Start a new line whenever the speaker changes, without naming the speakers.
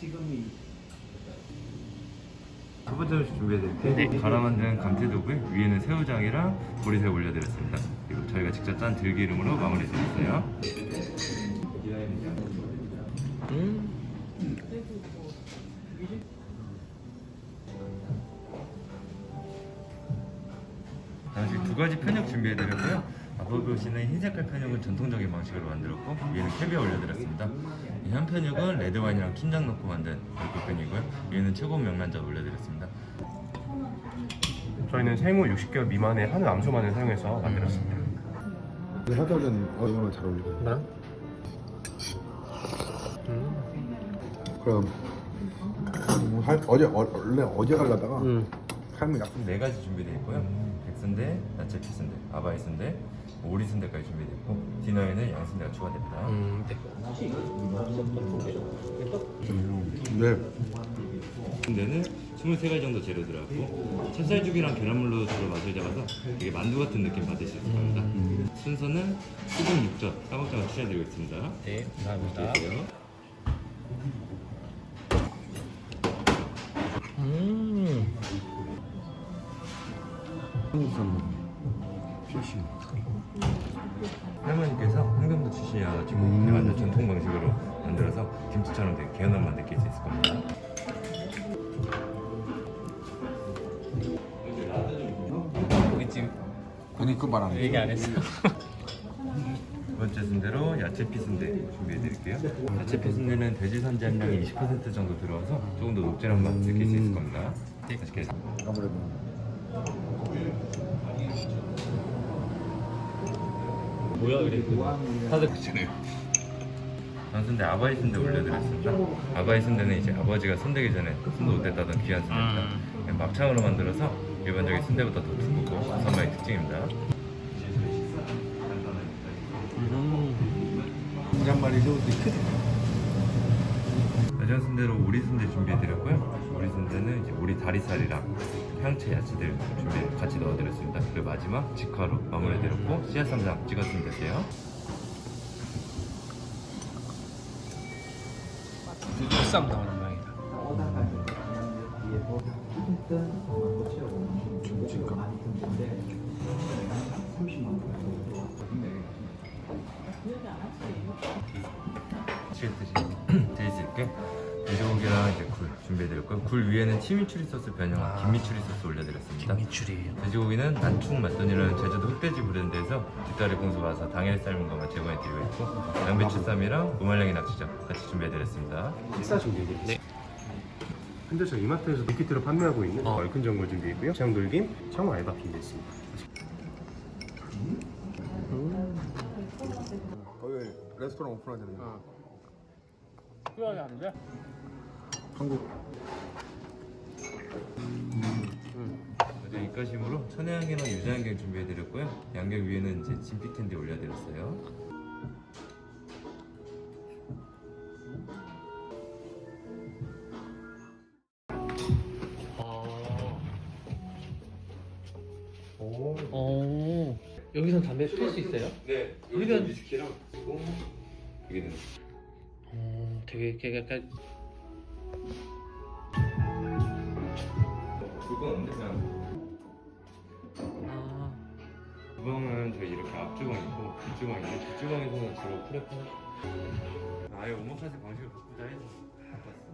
첫 번째 음식 준비해드릴게요. 갈아 만든 감태두부에 위에는 새우장이랑 보리새우 올려드렸습니다. 그리고 저희가 직접 짠 들기름으로 마무리해드렸어요. 다음식 두 가지 편육 준비해드렸고요. 앞으로 보시는 흰색깔 편육은 전통적인 방식으로 만들었고 위에는 캐비어 올려드렸습니다. 이 한 편육은 레드와인이랑 춘장 넣고 만든 얼굴 편이고요. 위에는 최고 명란젓 올려드렸습니다.
저희는 생후 60개월 미만의 한우 암소만을 사용해서 만들었습니다.
화덕은 얼마나 잘 어울리고.
나?
그럼 원래 어제 가려다가 삶을 약속.
네 가지 준비되어 있고요. 백순대, 야채 피순대, 아바이 순대, 오리 순대까지 준비되어 있고 디너에는 양순대가 추가됩니다.
네.
순대는 23가지 정도 재료 들어갔고 찹쌀죽이랑 계란물로 주로 맛을 잡아서 되게 만두 같은 느낌 받으실 수 있을 겁니다. 순서는 수분 육젓, 까먹장을 추천드리고 있습니다.
네, 감사합니다.
드릴게요.
실시.
할머니께서 한경도 출신이어가지고 완전 전통 방식으로 만들어서 김치처럼 되게 개운한 맛 느낄 수 있을 겁니다.
고깃집
아니 그 말 안 해.
얘기 안 했어.
두 번째 순대로 야채 피순대 준비해드릴게요. 야채 피순대는 돼지 선지 함량이 20% 정도 들어와서 조금 더 녹진한 맛 느낄 수 있을 겁니다. 맛있게
아무래도
뭐야 그래? 다들 그잖아요.
순대 아바이 순대 올려드렸습니다. 아바이 순대는 이제 아버지가 손대기 전에 손도 못 댔다던 귀한 순대입니다. 막창으로 만들어서 일반적인 순대보다 더 두껍고 선마의 특징입니다.
계란말이 새우도 크지.
여전 순대로 오리 순대 준비해드렸고요. 오리 순대는 이제 오리 다리살이랑 향채 야채들 같이 넣어드렸습니다. 그리고 마지막 직화로 마무리해드렸고 씨앗 쌈장 찍어주면 되세요.
보쌈 나오는 모양이다.
드실 수 있게 돼지고기랑 이제 굴 준비해드렸고요. 굴 위에는 치미추리 소스 변형한 김미추리 소스 올려드렸습니다.
김미추리.
돼지고기는 난충 맛돈이라는 제주도 흑돼지 브랜드에서 뒷다리 공수 봐서 당일 삶은 것만 제공해드리고 있고 양배추쌈이랑 무말랭이 낙지젓 같이 준비해드렸습니다.
식사 준비해드릴게요. 네. 현재 저희 이마트에서 밀키트로 판매하고 있는 얼큰 전골 준비했고요. 장돌김, 청어 알바핀도 있습니다.
거기 레스토랑 오픈하잖아요.
후회하게 하는데?
한국.
어제 입가심으로 천혜향이랑 유자향경 준비해드렸고요. 양경 위에는 이제 진피 캔디 올려드렸어요.
여기선 담배 필 수 있어요?
네,
여기는
위스키랑 여기는
되게 약간
그건 없는데 그냥 주방은 저희 이렇게 앞주방이고 뒷주방인데 뒷주방에서는 주로 프레퍼 아예 오마카세 방식을 바꾸자 해서 바꿨어.